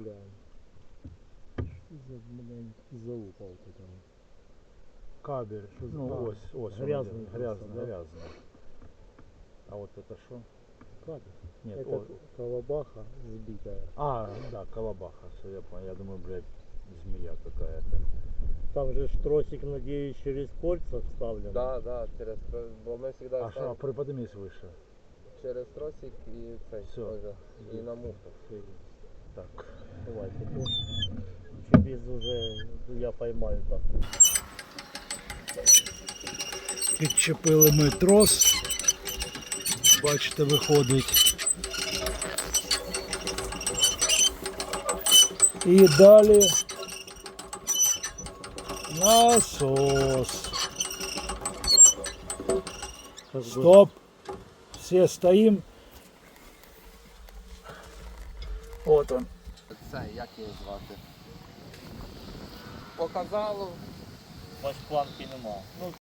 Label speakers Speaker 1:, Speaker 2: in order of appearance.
Speaker 1: глянь. Залупал-то там.
Speaker 2: Кабель, что за...
Speaker 1: Ну,
Speaker 2: ось,
Speaker 1: грязный
Speaker 2: грязный,
Speaker 1: просто, да?
Speaker 2: грязный. А вот это что?
Speaker 1: Кабель.
Speaker 2: Нет,
Speaker 1: Это колобаха сбитая.
Speaker 2: да, колобаха, все, я понял. Я думаю, блядь, змея какая-то.
Speaker 1: Там же тросик, надеюсь, через кольца вставлен.
Speaker 3: Да, через тросик, бо ми завжди
Speaker 2: А
Speaker 3: ставимо
Speaker 2: приподнимись выше.
Speaker 3: через тросик і цей,
Speaker 2: Все.
Speaker 3: ось, і на муфту.
Speaker 1: Все есть.
Speaker 2: Так.
Speaker 1: Давай, потом. Через уже я поймаю так.
Speaker 2: Підчепили ми трос. Бачите, виходить. І далі насос. Стоп! Все стоим. Вот он.
Speaker 3: Це, як його звати? Показало.
Speaker 1: Бач, планки нема. Ну,